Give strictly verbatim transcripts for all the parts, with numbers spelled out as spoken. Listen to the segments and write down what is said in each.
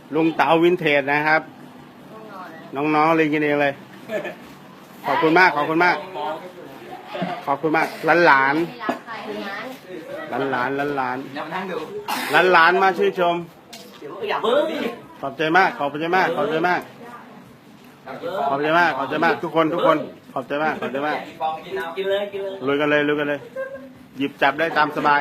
ลุงเต๋าวินเทจนะครับน้องๆเลยกินเองเลยขอบคุณมากขอบคุณมากขอบคุณมากหลานหลานหลานหลานหลานหลานหลานหลานมาชื่นชมขอบใจมากขอบใจมากขอบใจมากขอบใจมากขอบใจมากทุกคนทุกคนขอบใจมากขอบใจมากกินเลยกินเลยลุยกันเลยลุยกันเลยหยิบจับได้ตามสบาย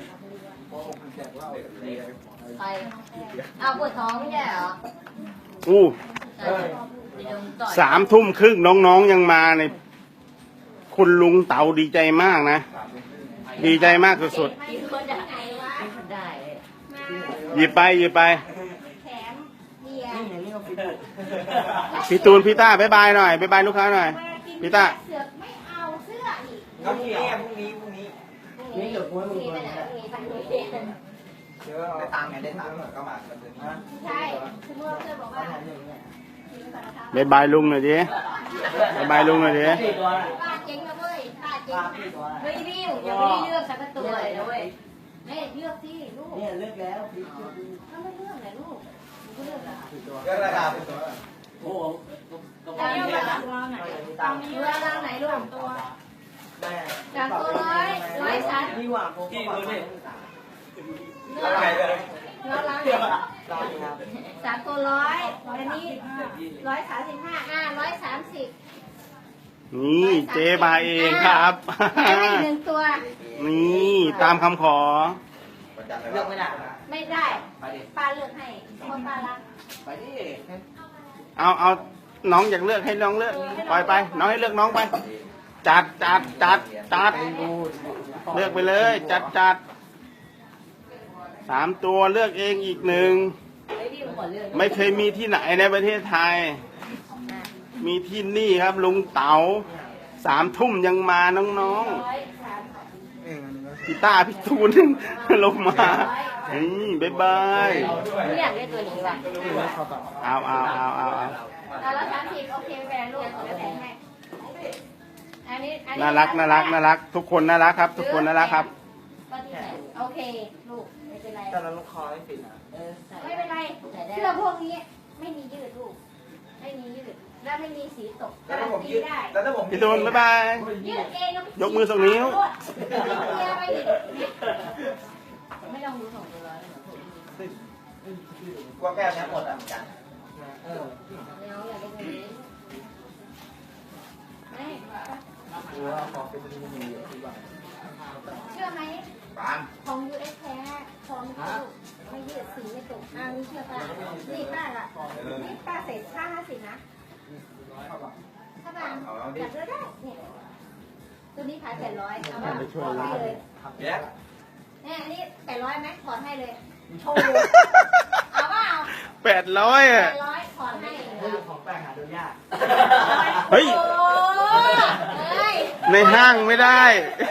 ไปเอาปวดท้องไม่ใช่เหรออู้สามทุ่มครึ่งน้องๆยังมาในคุณลุงเต๋าดีใจมากนะดีใจมากสุดๆหยิบไปหยิบไปพี่ตูนพี่ต้าบายบายหน่อยบายบายลูกค้าหน่อยพี่ต้าไม่เอาเสื้ออีกพรุ่งนี้พรุ่งนี้พรุ่งนี้นี่เดี๋ยวพรุ่งนี้ไปไหนพรุ่งนี้ไปโรงเรียนได้ตังค์ไงได้ตังค์ก็มาใช่คือเมื่อเพื่อนบอกว่าบายบายลุงหน่อยดิบายบายลุงหน่อยดิป้าเจ๊งนะเว้ยป้าเจ๊งเฮ้ยพี่ยังไม่ได้เลือกสักตัวเลยนะเว้ยไม่เลือกสิลูกเนี่ยเลือกแล้วถ้าไม่เลือกไหนลูกก็เลือกละเลือกราคาเป็นตัวโอ้โหแล้วเลือกราคาไหนเลือกราคาไหนลูกตัวจากตัวร้อยร้อยชั้นนี่หว่าผมเลือกเลือกร้านไหนจากตัวร้อยอันนี้ร้อยสามสิบห้าอ่าร้อยสามสิบนี่เจ๊มาเองครับให้หนึ่งตัวนี่ตามคำขอเลือกไม่ได้ไม่ได้ป้าเลือกให้คนป้ารักไปดิเอาเอาน้องอยากเลือกให้น้องเลือกปล่อยไปน้องให้เลือกน้องไปจัดจัดจัดจัดเลือกไปเลยจัดจัดสามตัวเลือกเองอีกหนึ่งไม่เคยมีที่ไหนในประเทศไทยมีที่นี่ครับลุงเต๋าสามทุ่มยังมาน้องๆพี่ต้าพี่ตูนลงมานี่บ๊ายบายไม่อยากได้ตัวนี้ว่ะเอาเอาเอาเอาเอาแล้วสามสิบโอเคแฟนลูกจะแต่งให้อันนี้น่ารักน่ารักน่ารักทุกคนน่ารักครับทุกคนน่ารักครับโอเคลูกไม่เป็นไรแต่เราลูกคอไม่ปิดอ่ะไม่เป็นไรเสื้อพวกนี้ไม่มียืดลูกไม่มียืดแล้วไม่มีสีตกแล้วผมยืดได้แล้วถ้าผมพี่ตูนบ๊ายบายยืดเองยกมือส่งนิ้วไม่ต้องดูส่งตัวร้อยกลัวแก้วนี้หมดอ่ะเหมือนกันเออน้องอยากได้ตัวนี้ไม่กลัวขอเป็นมือมือที่บ้านเชื่อไหมของ ยู เอส แท้ของไม่ยืดสีไม่ตกอ่านี่เชื่อป้านี่ป้าละนี่ป้าเสร็จห้าห้าสิบนะถ้าบางอยากเลือกได้เนี่ยตัวนี้ขายแปดร้อยเอามาถอดให้เลยเนี่ยอันนี้แปดร้อยไหมถอดให้เลยโชว์เอาว่าเอาแปดร้อยอ่ะแปดร้อยถอดให้ของแป้งหาดูยากเฮ้ยในห้างไม่ได้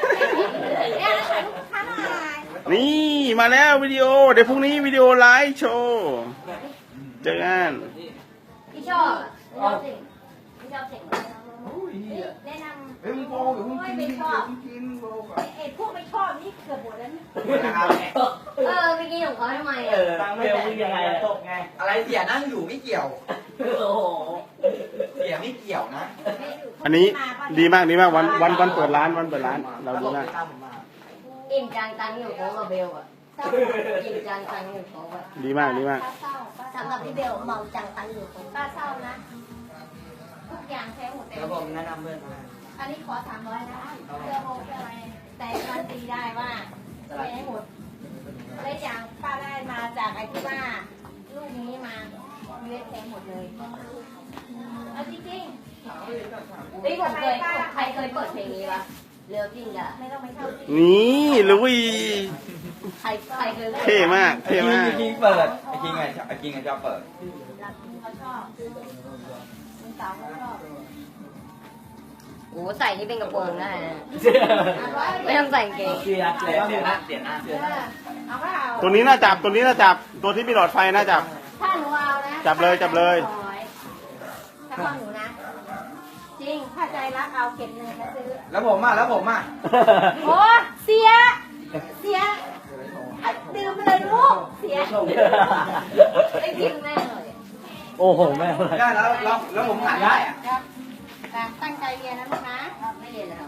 นี่มาแล้ววิดีโอเดี๋ยวพรุ่งนี้วิดีโอไลฟ์โชว์เจอกันพี่ชอบพี่ชอบเสียงแนะนำเฮ้ยมึงโบอยู่มึงกินมึงกินโบก่อนไอ้พวกไม่ชอบนี่เกือบหมดแล้วเออเมื่อกี้ของเขาทำไมเออตังไม่แตกยังไงตกไงอะไรเสียนั่งอยู่ไม่เกี่ยวโอ้โหเสียไม่เกี่ยวนะอันนี้ดีมากดีมากวันวันวันเปิดร้านวันเปิดร้านเราดีมากอิ่มจังตังอยู่ของเบลอ่ะอิ่มจังตังอยู่ของดีมากดีมากสำหรับพี่เบลเมาจังตังอยู่ของป้าเศร้านะทุกอย่างแท้หมดแล้วผมแนะนำเพื่อนอันนี้ขอสามร้อยนะเสื้อโฮเสื้ออะไรแต่การตีได้ว่าไม่ให้หมดและอย่างป้าได้มาจากไอ้ที่ว่าลูกนี้มาเวทแท้หมดเลยเอาจริงๆนี่ผมเคยใครเคยเปิดเพลงนี้วะเรือจริงอะไม่ต้องไปเข้านี่ลุยใครใครเคยเท่มากเท่มากไอ้คิงเปิดไอ้คิงไงไอ้คิงไงชอบเปิดเขาชอบคุณสาวเขาชอบโอ้ใส่นี่เป็นกระโปรงได้ไม่ต้องใส่เกงเสียเสียเสียหน้าเสียหน้าเสียหน้าตัวนี้น่าจับตัวนี้น่าจับตัวที่มีหลอดไฟน่าจับถ้าหนูเอานะจับเลยจับเลยถ้าพ่อหนูนะจริงถ้าใจรักเอาเก็บเงินมาซื้อแล้วผมอ่ะแล้วผมอ่ะโอ้เสียเสียดื่มไปเลยลูกเสียไอ้กินแม่เลยโอ้โหแม่ได้แล้วแล้วแล้วผมขายได้อะครับตั้งใจเรียนนะลูกนะไม่เรียนแล้ว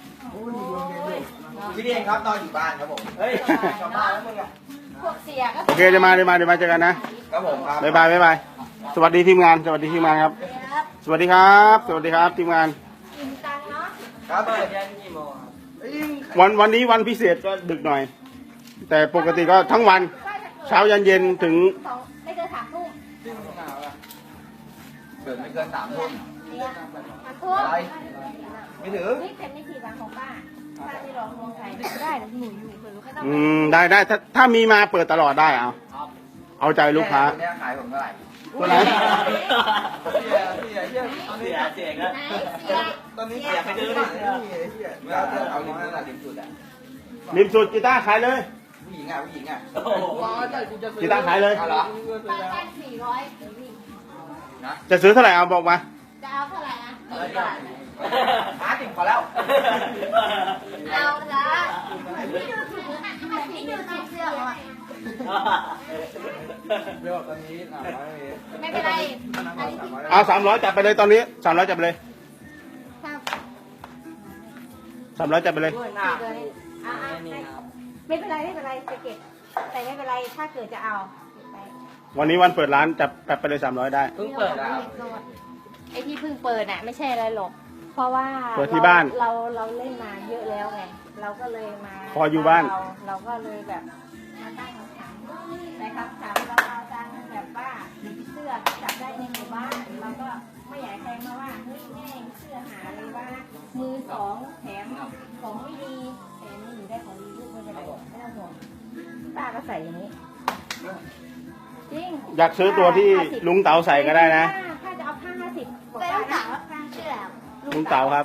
พี่เองครับนอนอยู่บ้านครับผมเฮ้ยกลับบ้านแล้วมึงอะพวกเสียก็โอเคเดี๋ยวมาเดี๋ยวมาเดี๋ยวมาเจอกันนะครับผมครับบ๊ายบายบ๊ายบายสวัสดีทีมงานสวัสดีทีมงานครับครับสวัสดีครับ สวัสดีครับทีมงานกินตังเนาะครับเปิดยันกี่โมงครับเอ้ยวันวันนี้วันพิเศษก็ดึกหน่อย แต่ปกติก็ทั้งวันเช้ายันเย็นถึงสองไม่เกินสามทุ่มซึ่งมึงหนาวอะเกิดไม่เกินสามทุ่มเนี่ยสามทุ่มอะไร ไม่ถึงนี่เป็นวิธีการของป้าป้าที่ร้องเมืองไทยได้แต่หนูอยู่เผื่อลูกไม่ต้องอืมได้ได้ถ้าถ้ามีมาเปิดตลอดได้เอาเอาใจลูกค้าเนี่ยขายผมเท่าไหร่ตัวไหนเสียเสียเสียตอนเสีนี้ยเสียแล้วไหนเสียตอนนี้เสียไปดื้อเลยเสียเวลาเที่ยวเอาลิ้นนั่นแหละลิ้นสุดอะริมสุดกีตาร์ขายเลยผู้หญิงอ่ะผู้หญิงอ่ะโอ้โหกีตาร์ขายเลยเอาเหรอป้าได้สี่ร้อยเดี๋ยวพี่นะจะซื้อเท่าไหร่เอาบอกมาจะเอาเท่าไหร่นะหาติ่งพอแล้วเอาละพี่ดูถูกนะพี่ดูถูกเสื้อเขาอะเรื่องตอนนี้สามร้อยไม่เป็นไรอันนี้เอาสามร้อยจับไปเลยตอนนี้สามร้อยจับไปเลยถ้าสามร้อยจับไปเลยด้วยหเก็น้าบเลยอ่ะอ่ะนี่ครับไม่เป็นไรไม่เป็นไรจะเก็บแต่ไม่เป็นไรถ้าเกิดจะเอาเก็บไปวันนี้วันเปิดร้านจับจับไปเลยสามร้อยได้เพิ่งเปิดไอ้ที่เพิ่งเปิดน่ะไม่ใช่อะไรหรอก เพราะว่าเปิดที่บ้านเราเราเล่นมาเยอะแล้วไง เราก็เลยมาพออยู่บ้านเราเราก็เลยแบบมาตั้งคำถามนะครับถามเราเอาจังแบบว่าเสื้อจับได้ในหมู่บ้านเราก็ไม่อยากให้ใครมาว่าเฮ้ยแม่งเสื้อหาเลยว่า มือสองแถมของไม่ดีแต่นี่หนูได้ของดีลูกไม่เป็นไรไม่ต้องห่วงป้าก็ใส่อย่างนี้จริงอยากซื้อตัวที่ลุงเต๋าใส่ก็ได้นะถ้าจะเอาผ้าห้าสิบไปลุงเต๋าผ้าเสื้อลุงเต๋าครับ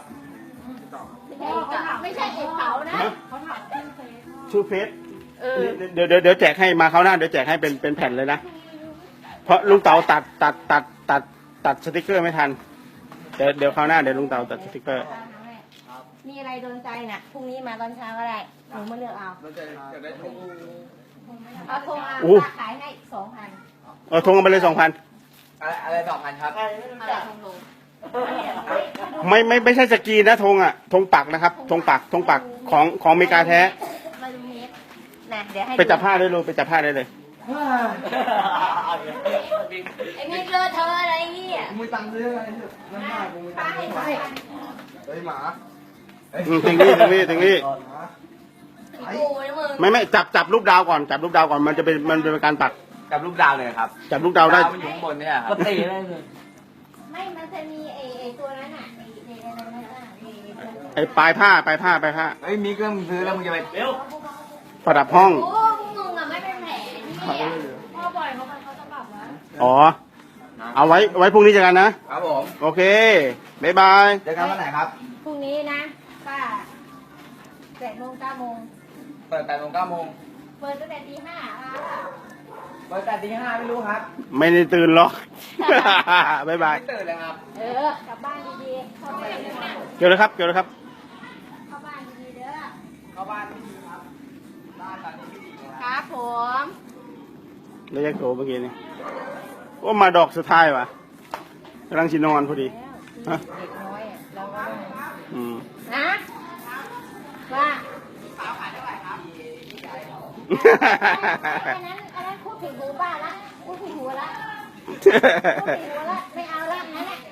ไม่ใช่เอกเต๋านะฮะเขาถามชื่อเฟซชื่อเฟซเออเดี๋ยวเดี๋ยวเดี๋ยวแจกให้มาเขาวหน้าเดี๋ยวแจกให้เป็นเป็นแผ่นเลยนะ เพราะลุงเต๋าตัดตัดตัดตัดตัดสติกเกอร์ไม่ทัน เดี๋ยวเดี๋ยวคราวหน้าเดี๋ยวลุงเต๋าตัดสติกเกอร์มีอะไรโดนใจน่ะพรุ่งนี้มาตอนเช้าก็ได้หนูมาเลือกเอาเราจะจะได้ถุงเอาโทรเอาอู้ป้าขายให้สองพันเออทงกันไปเลยสองพันอะไรอะไรสองพันครับอะไรทงลงไม่ไม่ไม่ใช่สกรีนนะธงอ่ะธงปักนะครับธงปักธงปักของของอเมริกาแท้มาดูเน็ตนะเดี๋ยวให้ไปจับผ้าได้เลยไปจับผ้าได้เลยไอ้นี่เลอะเธอะอะไรเนี่ยกูไม่ตังค์ซื้ออะไรน้ำหน้ากูไม่ตัป้างค์ให้ซื้อสองพันเฮ้ยหมาเฮ้ยอืมถึงนี่ถึงนี่ถึงนี่หมาพี่กูนะมึงไม่ไม่จับจับลูกดาวก่อนจับลูกดาวก่อนมันจะเป็นมันเป็นการปักกับลูกดาวเลยครับจับลูกดาวได้มันอยู่ข้างบนเนี่ยคก็รับตีได้เลยไม่มันจะมีไอ้ไอ้ตัวนั้นอ่ะไอ้ไอ้อะไรนั่นอ่ะไอ้ตัวนั้นไอ้ปลายผ้าปลายผ้าปลายผ้าเฮ้ยมีเครื่องมึงซื้อแล้วมึงจะไปเร็วประดับห้องโอ้มึงอ่ะไม่เป็นแผลนี่พ่อบ่อยเขาเขาจะบอกว่าอ๋อ เอาไว้ไว้พรุ่งนี้เจอกันนะครับผมโอเคบ๊ายบายเจอกันวันไหนครับพรุ่งนี้นะป้าแปดโมงเก้าโมงเปิดแปดโมงเก้าโมงเปิดตั้งแต่ตีห้าอ่ะเปิดแต่ตีห้าไม่รู้ครับไม่ได้ตื่นหรอก บ๊ายบายไม่ตื่นเลยครับเออกลับบ้านดีๆเข้าบ้านดีๆเกี่ยวเลยครับเกี่ยวเลยครับเข้าบ้านดีๆเด้อเข้าบ้านไม่ดีครับบ้านตอนนี้ไม่ดีเลยคครับรับผมแล้วยักโตเมื่อกี้นี่ว่ามาดอกสุดท้ายวะกำลังชินอนพอดี ฮะเด็กน้อยอ่ะเราก็อืมนะว่าอันนั้นอันนั้นพูดผิดหูป้าละพูดผิดหูละพูดผิดหูละไม่เอาละนั่นแหละ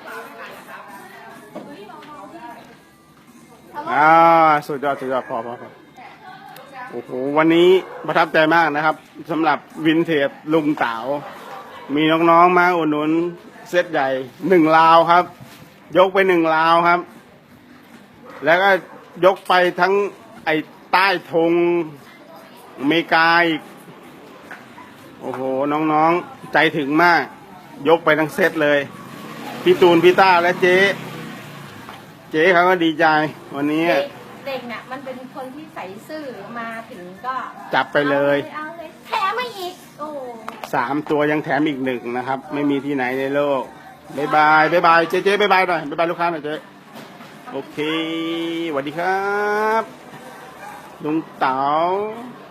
อ่าสุดยอดสุดยอดพอพอพอโอ้โหวันนี้ประทับใจมากนะครับสำหรับวินเทจลุงเต๋ามีน้องๆมาอุดหนุนเซตใหญ่หนึ่งลาวครับ ยกไปหนึ่งลาวครับ แล้วก็ยกไปทั้งไอ้ใต้ธงอเมริกาอีกโอ้โหน้องๆใจถึงมาก ยกไปทั้งเซตเลยพี่ตูนพี่ต้าและเจ๊เจ๊เขาก็ดีใจวันนี้เด็กเด็กน่ะมันเป็นคนที่ใส่ซื่อมาถึงก็จับไปเลยเอาเลยแถมไม่อีกโอ้สามตัวยังแถมอีกหนึ่งนะครับ ไม่มีที่ไหนในโลกบายบายบายบายเจ๊เจ๊บายบายหน่อยบายบายลูกค้าหน่อยเจ๊โอเคสวัสดีครับลุงเต๋า